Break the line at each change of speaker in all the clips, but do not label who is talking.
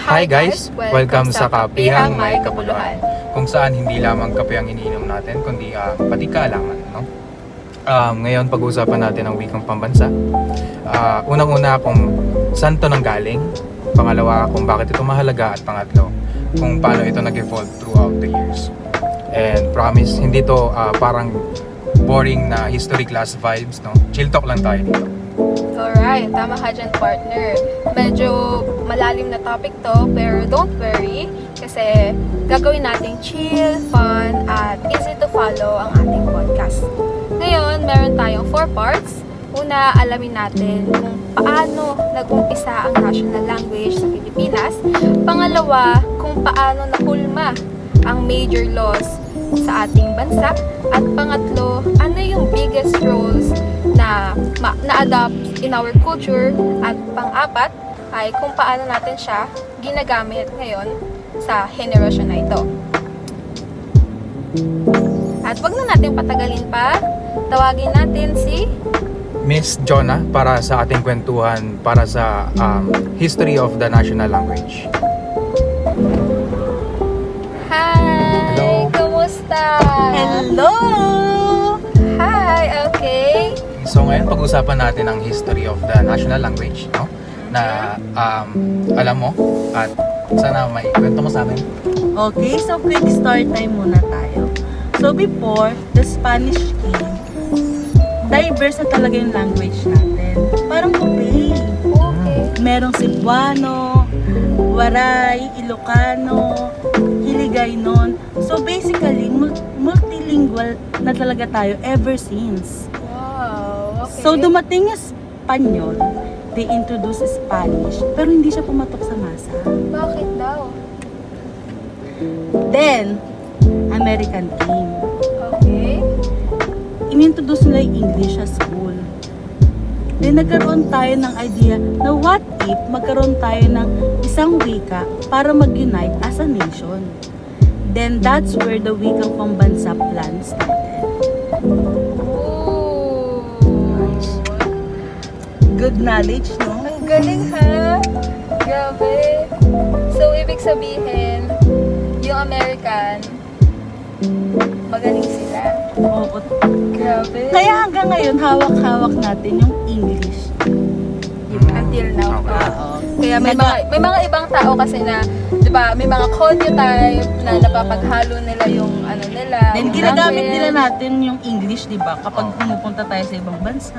Hi guys! Welcome sa Kapihang May Kabuluhan, kung saan hindi lamang kape ang iniinom natin, kundi pati kaalaman, no? Ngayon pag-uusapan natin ang wikang pambansa. Unang-una kung saan to nanggaling, pangalawa kung bakit ito mahalaga, at pangatlo kung paano ito nag-evolve throughout the years. And promise, hindi to parang boring na history class vibes, no? Chill talk lang tayo dito.
Alright, tama ka dyan, partner. Medyo malalim na topic to, pero don't worry kasi gagawin nating chill, fun, at easy to follow ang ating podcast. Ngayon, meron tayong 4 parts. Una, alamin natin kung paano nag-umpisa ang national language sa Pilipinas. Pangalawa, kung paano nahulma ang major laws sa ating bansa. At pangatlo, ano yung biggest roles na na-adopt in our culture. At pang-apat ay kung paano natin siya ginagamit ngayon sa henerasyon na ito. At wag na natin patagalin pa, tawagin natin si
Miss Jonah para sa ating kwentuhan para sa history of the national language.
Hi!
Hello.
Kumusta?
Hello!
Hi! Okay.
So ngayon pag-usapan natin ang history of the national language, no? Na alam mo at sana may kwento mo sa amin.
Okay, so quick start time muna tayo. So before, the Spanish came, diverse na talaga yung language natin. Parang Pupay.
Okay.
Merong Cebuano, Waray, Ilocano, Hiligaynon. So basically, multilingual na talaga tayo ever since.
Wow. Okay.
So dumating yung Espanyol, they introduced Spanish, pero hindi siya pumatok sa masa.
Bakit daw?
Then, American came.
Okay.
Inintroduce nila yung English sa school. Then, nagkaroon tayo ng idea na what if magkaroon tayo ng isang wika para mag-unite as a nation. Then, that's where the wikang pambansa plan started.
Ooh.
Good knowledge, no?
Ang galing ha? Grabe. So, ibig sabihin, yung American, magaling sila.
Oo.
Grabe.
Kaya hanggang ngayon, hawak-hawak natin yung English.
Until now.
Okay.
Kaya may mga ibang tao kasi na, 'di ba, may mga konyo type na napapaghalo nila yung ano nila.
Then,
yung
ginagamit
language.
nila natin yung English, di ba? Kapag
Oo.
pumupunta tayo sa ibang bansa.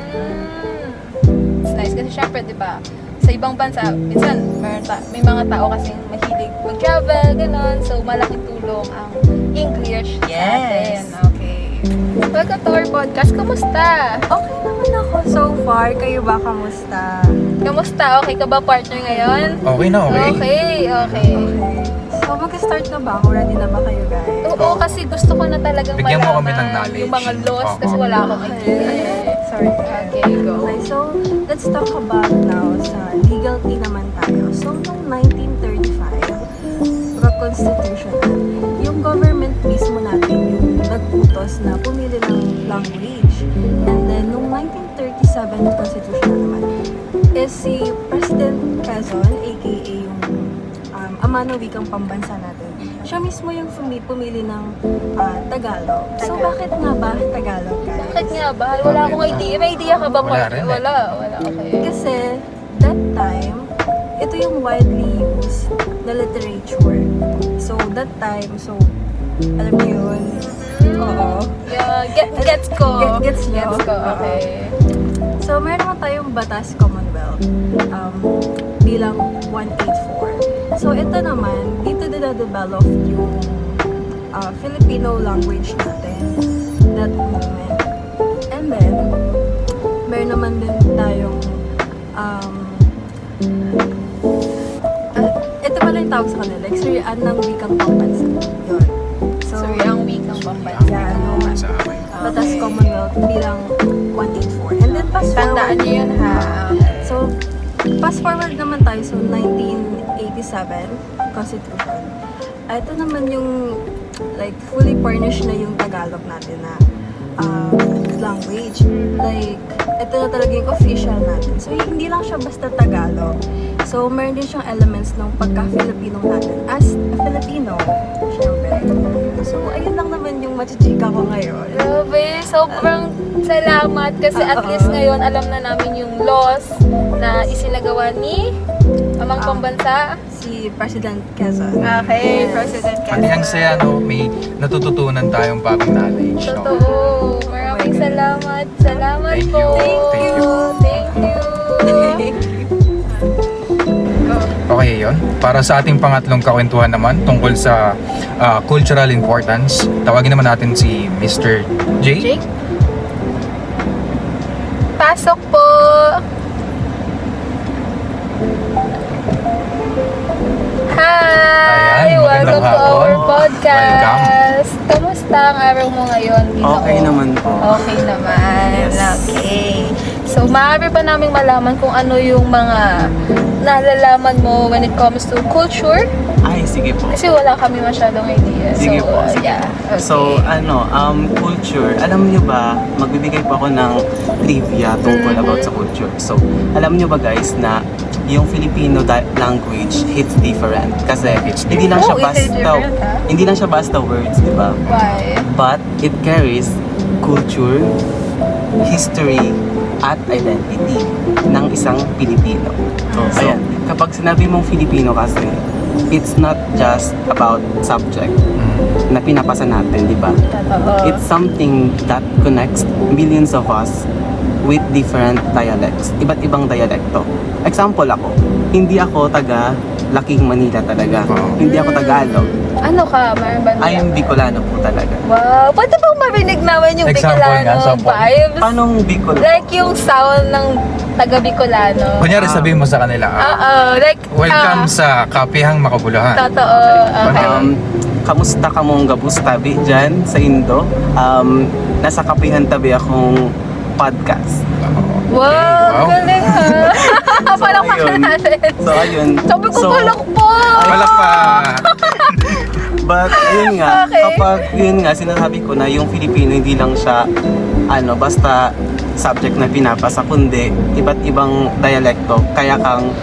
It's nice kasi syempre, 'di ba? Sa ibang bansa, minsan may mga tao kasing mahilig mag-travel, ganun. So malaking tulong ang English sa atin.
Yes.
Okay. Welcome to our podcast. Kamusta?
Okay naman ako so far. Kayo ba, kamusta?
Kamusta? Okay ka ba, partner, ngayon?
Okay na, okay.
Okay, okay.
So, mag-start na ba ako? Ready na ba kayo, guys?
Oo, kasi gusto ko na talagang
Bigyan mo
malaman
kami ng knowledge.
yung mga laws
Oo.
kasi wala akong idea.
Sorry.
Okay, go.
Okay, so, let's talk about now sa legality naman tayo. So, noong 1935, constitutional, yung government mismo natin yung nag-utos na pumili ng language. And then, noong 1937 constitutional naman, is si President Quezon, aka yung ama ng wikang pambansa natin. Siya mismo yung pumili ng Tagalog. So, bakit nga ba Tagalog, guys?
Bakit nga ba? Wala akong idea. May idea ka ba,
Wala
partner?
rin eh.
Wala. Okay.
Kasi, that time, ito yung widely used na literature. So, that time, so, alam niyo yun? Oo.
Yeah, gets ko.
Gets nyo?
Gets ko, okay.
So, meron naman tayong Batas Commonwealth bilang 184. So, ito naman, dito na-develop yung Filipino language natin that moment. And then, meron naman din tayong ito pala yung tawag sa kanila, like, surian ng wikang pambansa. Yun. So,
Sorry, ang wikang pambansa.
Yeah, no.
Sa akin.
Batas
Okay.
Commonwealth bilang 184. And then, fast
Tandaan
forward.
niyo yun, ha?
So, fast forward naman tayo. So, 1987 Constitution. Ito naman yung like fully furnished na yung Tagalog natin na language. Like, ito na talaga yung official natin. So, hindi lang siya basta Tagalog. So, meron din siyang elements ng pagka-Filipino natin. As a Filipino, syempre. So, ayun lang naman yung machichika ko ngayon.
Grabe, sobrang salamat kasi at least ngayon alam na namin yung laws na isinagawa ni Amang Pambansa.
Si President Quezon.
Okay,
Yes.
President Quezon.
Pati ang saya, no? May natututunan tayong bagong knowledge, no?
Totoo. Maraming salamat. Salamat
Thank
po.
you. Thank you.
Thank you. Go.
Okay, yun. Para sa ating pangatlong kakwentuhan naman tungkol sa cultural importance, tawagin naman natin si Mr. J.
Jake? Pasok po. Hi!
Ayan,
Welcome
magandang
to
hapon.
our podcast. Kamusta ang araw mo ngayon, Ginoo?
Okay naman po.
Okay naman.
Yes.
Okay. So, maaari pa namin malaman kung ano yung mga nalalaman mo when it comes to culture?
Ay, sige po.
Kasi wala kami masyadong idea.
Sige
so,
po, sige.
yeah. Okay.
So, culture. Alam nyo ba, magbibigay po ako ng trivia tungkol about sa culture. So, alam nyo ba guys na yung Filipino language hits different. Kasi hindi lang siya
Oh, is it
basta
different, ha?
hindi lang siya basta words, di ba?
Why?
But it carries culture, history, at identity ng isang Pilipino. So, ayan, kapag sinabi mong Filipino kasi, it's not just about subject na pinapasa natin, di ba?
Totoo.
It's something that connects millions of us with different dialects, iba't ibang dialekto. Example ako, hindi ako taga Laking Manila talaga.
Wow.
Hindi ako Tagalog.
Ano ka? Meron ba
I am Bicolano po talaga.
Wow! Pwede bang marinig naman yung
Example
Bicolano
nga, sample.
vibes?
Paanong Bicol?
Like yung sound ng taga-Bicolano.
Kunyari sabihin mo sa kanila,
Oo. Like,
welcome sa Kapihang Makabuluhan.
Totoo. Okay.
Kamusta ka mong gabustabi dyan sa Indo? Nasa kapihan tabi akong podcast.
Wow!
Wow.
Galing ha! Parang
ayun.
natin.
So, ayun.
Sabi ko,
So,
palakpo!
Palakpak!
But, yun nga,
Okay.
kapag yun nga, sinasabi ko na yung Filipino hindi lang siya, basta subject na pinapasa, kundi iba't ibang dialekto, kaya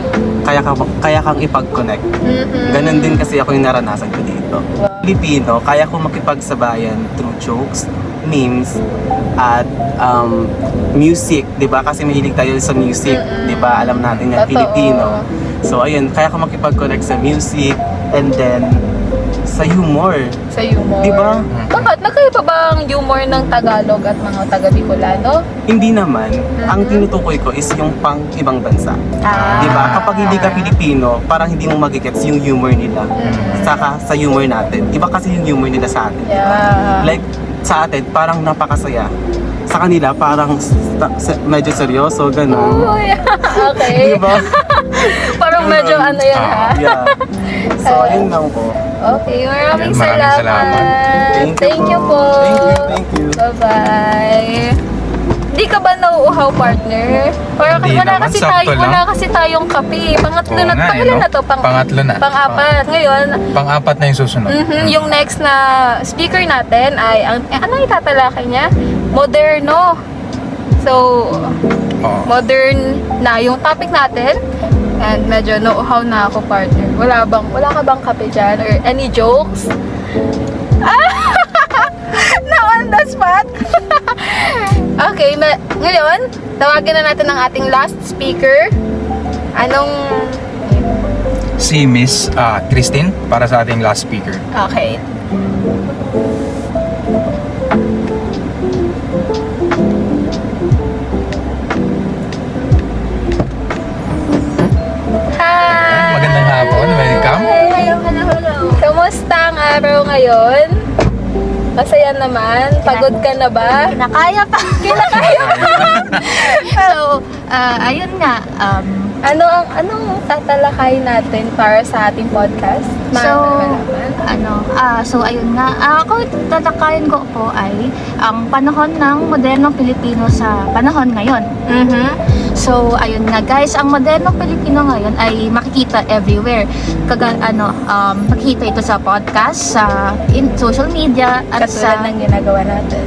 kang ipag-connect.
Mhm.
Ganon din kasi ako yung naranasan ko dito.
Wow.
Filipino, kaya ko makipagsabayan through jokes, memes, at music, 'di ba? Kasi mahilig tayo sa music, 'di ba? Alam natin na
Totoo.
Filipino. So ayun, kaya ko makipag-connect sa music and then sa humor.
Sa humor.
Di ba?
Bakit? Nagkaiba ba ang humor ng Tagalog at mga taga-Bicolano?
Hindi naman, ang tinutukoy ko is yung pang ibang bansa.
Ah.
'Di ba? Kapag hindi ka Pilipino, parang hindi mo magigets yung humor nila. Saka sa humor natin. Iba kasi yung humor nila sa atin.
Yeah.
Like sa atin, parang napakasaya. Sa kanila, parang medyo seryoso, gano'n.
Oh, yeah. Okay.
Di ba?
Parang medyo ano yan ha?
Yeah. So, ayun lang po.
Okay, maraming
Yan, maraming
salamat.
salamat.
Thank you po.
Thank you.
Bye-bye. Hindi ka ba nauuhaw, partner? Parang
Hindi naman, sakto lang.
wala kasi tayong kape. Pangatlo
Oo
na,
nga,
pangilan
no?
na to?
Pangatlo na.
Pang-apat. Ngayon,
Pang-apat na yung susunod.
yung next na speaker natin ay, ano itatalakay niya? Moderno. So,
Oo.
modern na yung topic natin. And medyo nauuhaw na ako, partner. Wala ka bang kape dyan? Or any jokes? Na on the spot? Okay, ngayon, tawagin na natin ang ating last speaker. Anong...
Si Miss Christine para sa ating last speaker.
Okay. Hi!
Magandang hapon. Welcome.
Hello. Kamusta ang araw ngayon? Masaya naman? Pagod ka na ba?
Kinakaya pa.
Kinakaya pa?
So, ayun nga.
Anong tatalakayin natin para sa ating podcast?
So ayun nga. Ako, tatalakayin ko po ay ang panahon ng modernong Pilipino sa panahon ngayon. So, ayun nga guys, ang modernong Pilipino ngayon ay makikita everywhere. Makikita ito sa podcast, sa social media, at
Katulad ng ginagawa natin.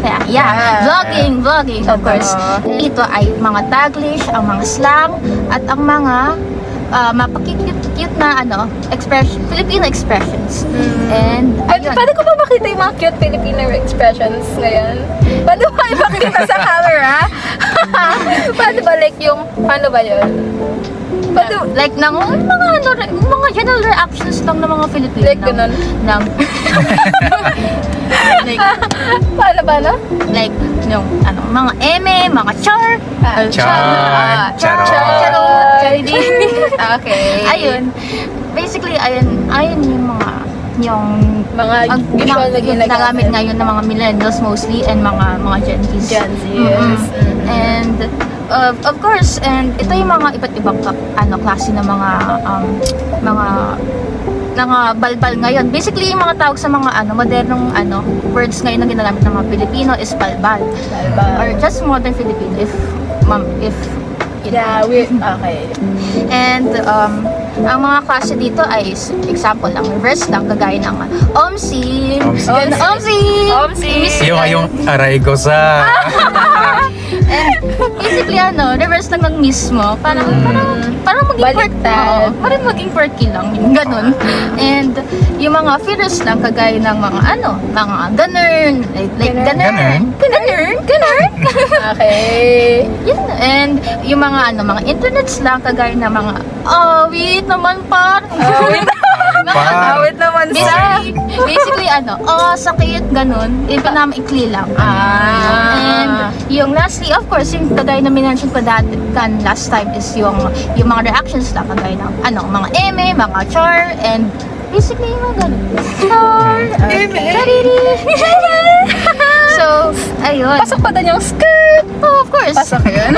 vlogging, of
Totoo.
course. Ito ay mga Taglish, ang mga slang, at ang mga mapakikute na Filipino expressions. And ayun.
Pwede ko ba makita yung mga cute Filipino expressions ngayon? Pwede ba ipakita sa camera? Paano ba paano ba yun?
Like mga general reactions lang ng mga Filipino.
Like ganun?
Like,
Paano ba, no?
like yung mga eme, mga char,
Char, charot.
charot,
Okay.
ayun. Basically, ayun yung
Mga usual na
ginagamit ngayon ng mga millennials mostly and mga Gen Zs.
Gen Z,
Mm-mm.
yes.
And of course, and ito yung mga iba't ibang klase ng mga balbal ngayon. Basically, yung mga tawag sa mga modernong words ngayon na ginagamit ng mga Pilipino is balbal. Or just modern Filipino if
Yeah, okay.
And ang mga klase dito ay example lang, reverse lang, kagaya ng OMSI.
Omsi.
Yung aray ko sa...
And basically reverse lang ng mismo. Parang maging
Baliktad.
parang maging quirky lang, yung ganun. And yung mga feelers lang, kagaya ng mga mga ganern, like ganern.
Okay.
Yun. And yung mga internets lang, kagaya ng mga wait naman par.
Awit naman
Basically sakit, ganun. Pinamaikli lang. And yung lastly, of course, yung kagaya na minention ko last time is yung mga reactions lang, kagaya ng mga eme, mga char, and basically yung mga ganun. Char, chariri. So, ayun.
Pasok pa din yung skirt.
Oh, of course.
Pasok yun.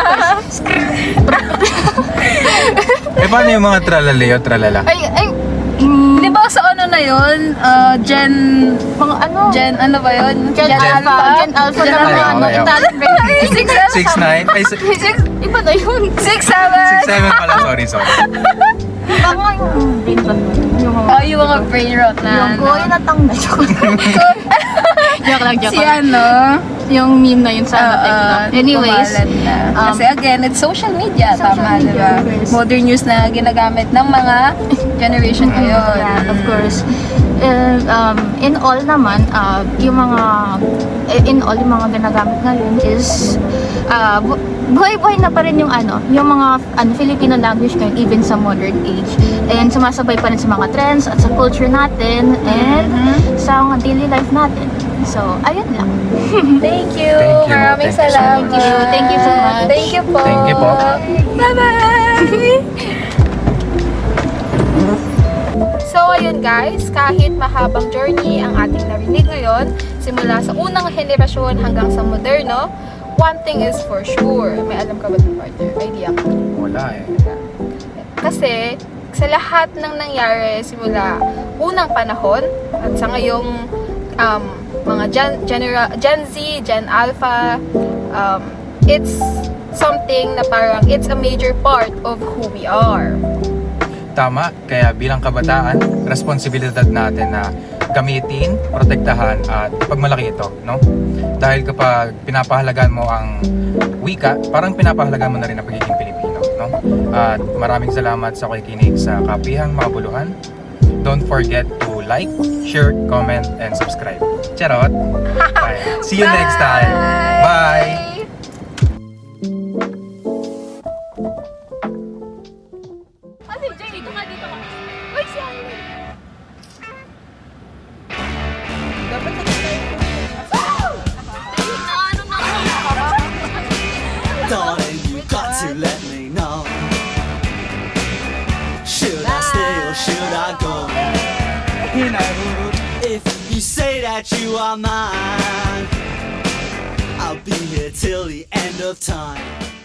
Paano yung mga tralaleo, tralala?
Di ba sa na yun? Gen ba yun?
Gen Alpha na mga
okay.
Italian brain.
6'9"? Ay,
Iba na yun.
6'7".
6'7" pala, sorry.
Baka yung brain rot.
Yung mga brain rot na.
Yung ko, yung natanggal. Joke lang.
Si
Yung meme na yun sa anyways.
Kasi again, it's social media.
Social
Tama,
media,
diba?
of course.
Modern news na ginagamit ng mga generation ngayon.
Yeah, of course. In all naman, yung mga ginagamit ngayon is buhay-buhay na pa rin yung mga Filipino language ngayon even sa modern age. And sumasabay pa rin sa mga trends at sa culture natin and sa mga daily life natin. So, ayun lang.
Thank you.
Thank you.
Maraming
Thank you so
salamat.
Thank you so much.
Thank you po.
Thank you po.
Bye-bye. So, ayun guys, kahit mahabang journey ang ating narinig ngayon, simula sa unang henerasyon hanggang sa moderno, one thing is for sure. May alam ka ba ng partner? Idea ka?
Wala eh.
Kasi, sa lahat ng nangyari simula unang panahon at sa ngayong mga Gen Z, Gen Alpha, it's something na parang it's a major part of who we are.
Tama, kaya bilang kabataan, responsibilidad natin na gamitin, protektahan at pagmalaki ito, no? Dahil kapag pinapahalagan mo ang wika, parang pinapahalagan mo na rin ang pagiging Pilipino, no? At maraming salamat sa pakikinig sa Kapihang Makabuluhan. Don't forget to like, share, comment, and subscribe. Charot! Bye. See you next time! Bye!
Darling, you got to let me know. Should I stay or should I go? If you say that you are mine, I'll be here till the end of time.